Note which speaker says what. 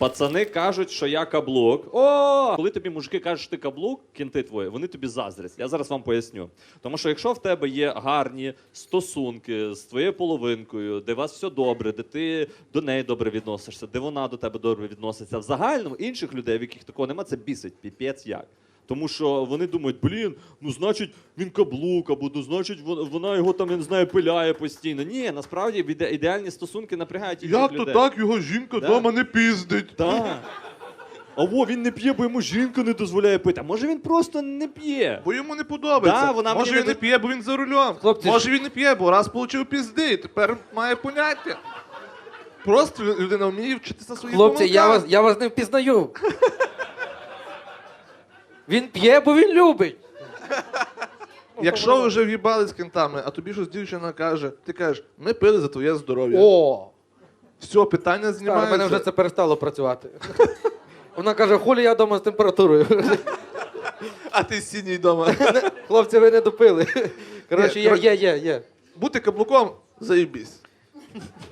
Speaker 1: Пацани кажуть, що я каблук. О! Коли тобі мужики кажуть, що ти каблук, кінти твої, вони тобі заздрять. Я зараз вам поясню. Тому що якщо в тебе є гарні стосунки з твоєю половинкою, де у вас все добре, де ти до неї добре відносишся, де вона до тебе добре відноситься, в загальному інших людей, в яких такого немає, це бісить, піпець як. Тому що вони думають, ну значить він каблук, або ну значить вона його там, я не знаю, пиляє постійно. Ні, насправді ідеальні стосунки напрягають інших людей.
Speaker 2: Як то так, його жінка вдома не піздить?
Speaker 1: Так. Або він не п'є, бо йому жінка не дозволяє пити. А може він просто не п'є?
Speaker 2: Бо йому не подобається.
Speaker 1: Да, вона
Speaker 2: Може
Speaker 1: мені
Speaker 2: він не п'є, бо він за рулем.
Speaker 3: Хлопці,
Speaker 2: Може він не п'є, бо раз получив пізди, і тепер має поняття. Просто людина вміє вчитися своїх
Speaker 3: Хлопці,
Speaker 2: помилках.
Speaker 3: я вас не впізнаю. Він п'є, бо він любить.
Speaker 2: Якщо ви вже в'їбали з кентами, а тобі щось дівчина каже, ти кажеш, ми пили за твоє здоров'я.
Speaker 3: О!
Speaker 2: Все, питання
Speaker 3: Так, у
Speaker 2: знімається.
Speaker 3: мене вже це перестало працювати. Вона каже, хулі я вдома з температурою.
Speaker 2: А ти сіній вдома.
Speaker 3: Хлопці, ви не допили. Коротше,
Speaker 2: Ні,
Speaker 3: є.
Speaker 2: Бути каблуком – заєбісь.